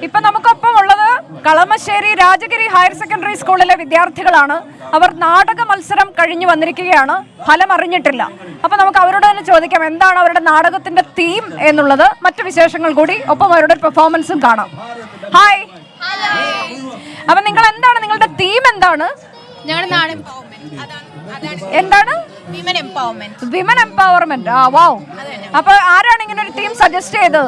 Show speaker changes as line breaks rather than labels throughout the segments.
ഇപ്പൊ നമുക്കൊപ്പം ഉള്ളത് കളമശ്ശേരി രാജഗിരി ഹയർ സെക്കൻഡറി സ്കൂളിലെ വിദ്യാർത്ഥികളാണ്. അവർ നാടക മത്സരം കഴിഞ്ഞു വന്നിരിക്കുകയാണ്. ഫലം അറിഞ്ഞിട്ടില്ല. അപ്പൊ നമുക്ക് അവരോട് തന്നെ ചോദിക്കാം എന്താണ് അവരുടെ നാടകത്തിന്റെ തീം എന്നുള്ളത്. മറ്റു വിശേഷങ്ങൾ കൂടി ഒപ്പം അവരുടെ പെർഫോമൻസും കാണാം. ഹായ്. അപ്പൊ നിങ്ങൾ എന്താണ് നിങ്ങളുടെ തീം എന്താണ്? എന്താണ്? Women empowerment. ആ വാവ്. അപ്പൊ ആരാണ് ഇങ്ങനെ ഒരു ടീം സജസ്റ്റ് ചെയ്തത്?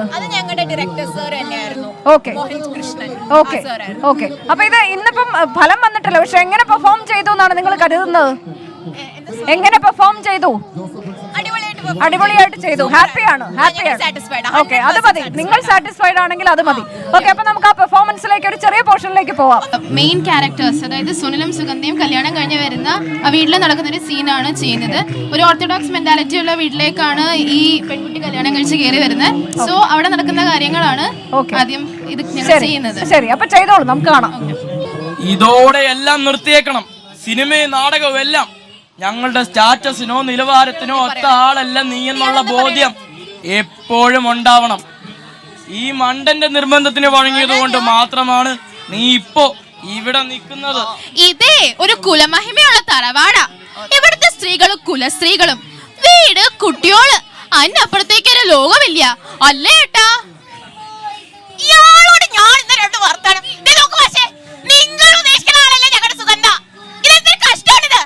Okay okay okay. അപ്പൊ ഇത് ഇന്നിപ്പം ഫലം വന്നിട്ടില്ല, പക്ഷെ എങ്ങനെ പെർഫോം ചെയ്തു എന്നാണ് നിങ്ങൾ കരുതുന്നത്? എങ്ങനെ പെർഫോം ചെയ്തു? അടിപൊളിയായിട്ട് ചെയ്തു. ഹാപ്പിയാണ്? ഓക്കെ, അത് മതി. നിങ്ങൾ സാറ്റിസ്ഫൈഡ് ആണെങ്കിൽ അത് മതി. ഓക്കെ, അപ്പൊ നമുക്ക് ആ പെർഫോമൻസിലേക്ക് ഒരു ചെറിയ പോർഷനിലേക്ക് പോവാം.
മെയിൻ ക്യാരക്ടേഴ്സ്, അതായത് സുനിലും സുഗന്ധിയും കല്യാണം കഴിഞ്ഞ് വരുന്ന വീട്ടിൽ നടക്കുന്ന ഒരു സീനാണ് ചെയ്യുന്നത്. ഒരു ഓർത്തഡോക്സ് മെന്റാലിറ്റി ഉള്ള വീട്ടിലേക്കാണ് ഈ പെൺകുട്ടി കല്യാണം കഴിച്ച് കയറി വരുന്നത്. സോ അവിടെ നടക്കുന്ന കാര്യങ്ങളാണ് ആദ്യം ഇത് ചെയ്യുന്നത്.
ശരി, അപ്പൊ ചെയ്തോളൂ, നമുക്ക് കാണാം.
ഇതോടെ എല്ലാം നിർത്തിയേക്കണം. സിനിമയും നാടകവും എല്ലാം ഞങ്ങളുടെ സ്റ്റാറ്റസിനോ നിലവാരത്തിനോ ഒത്ത ആളല്ല നീ എന്നുള്ള ബോധ്യം എപ്പോഴും ഉണ്ടാവണം. ഈ മണ്ടന്റെ നിർബന്ധത്തിന് വഴങ്ങിയത് കൊണ്ട് മാത്രമാണ് നീ ഇപ്പോ ഇവിടെ നിൽക്കുന്നത്.
ഇതേ ഒരു കുലമഹിമയുള്ള തറവാടാ. ഇവിടുത്തെ സ്ത്രീകളും കുലസ്ത്രീകളും വീട് കുട്ടിയോള് അതിനപ്പുറത്തേക്ക് ഒരു ലോകമില്ല അല്ലേ ഏട്ടാ? ഇയാളോട് ഞാൻ ഇന്ന് രണ്ട് വർത്താനം. നിങ്ങൾ ഉദ്ദേശിക്കുന്ന ആളല്ലേ ഞങ്ങളുടെ സുഗന്ധ. ഇതെന്തൊരു കഷ്ടമാണിത്.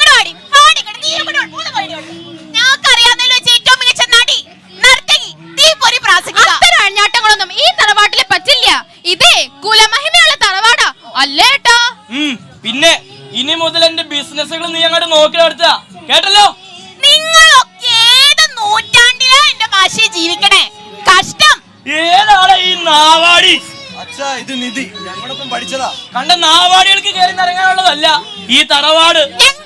ഞങ്ങൾക്കറിയാവുന്നതിൽ വെച്ച് ഏറ്റവും മികച്ച നടി, നർത്തകി, തീപ്പൊരി പ്രാസംഗിക. അത്തരം അഴിഞ്ഞാട്ടങ്ങളൊന്നും ഈ തറവാട്ടിലെ പറ്റില്ല. ഇതേ കുലമഹിമയുള്ള തറവാടാ അല്ലേ ഏട്ടാ?
പിന്നെ ഇനി മുതൽ എന്റെ ബിസിനസ്സുകൾ നീ അങ്ങോട്ട് നോക്കി നടത്തുക, കേട്ടല്ലോ?
നിങ്ങളൊക്കെ ഏത് നൂറ്റാണ്ടിലാ എന്റെ ഭാഷയെ ജീവിക്കണേ? കഷ്ടം.
ഏതാണ് ഈ നാവാടി?
അച്ഛാ, ഇത് നിധി, ഞങ്ങളൊപ്പം പഠിച്ചതാ.
കണ്ട നാവാടികൾക്ക് കയറി നിറങ്ങാനുള്ളതല്ല ഈ തറവാട്.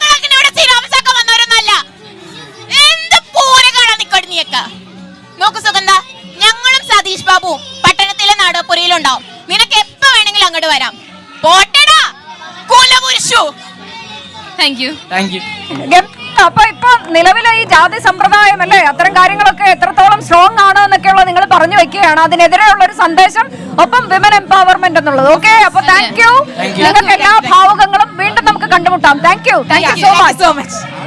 നോക്കു സുഗന്ധ, ഞങ്ങളും സതീഷ് ബാബുവും പട്ടണത്തിലെ നാടകപ്പുരയിലുണ്ടാവും. നിനക്ക് എപ്പോ വേണമെങ്കിലും അങ്ങോട്ട് വരാം. പോട്ടെടാ കുലപുരുഷു. Thank you.
അപ്പൊ ഇപ്പൊ നിലവിലെ ഈ ജാതി സമ്പ്രദായം അല്ലേ, അത്തരം കാര്യങ്ങളൊക്കെ എത്രത്തോളം സ്ട്രോങ് ആണ് എന്നൊക്കെയുള്ള നിങ്ങൾ പറഞ്ഞു വെക്കുകയാണ്. അതിനെതിരെയുള്ള ഒരു സന്ദേശം, ഒപ്പം വിമൻ എംപവർമെന്റ് എന്നുള്ളത്. ഓക്കെ, അപ്പൊ താങ്ക് യു. നിങ്ങൾക്ക് എല്ലാ ഭാവുകങ്ങളും വീണ്ടും നമുക്ക് കണ്ടുമുട്ടാം. Thank you so much.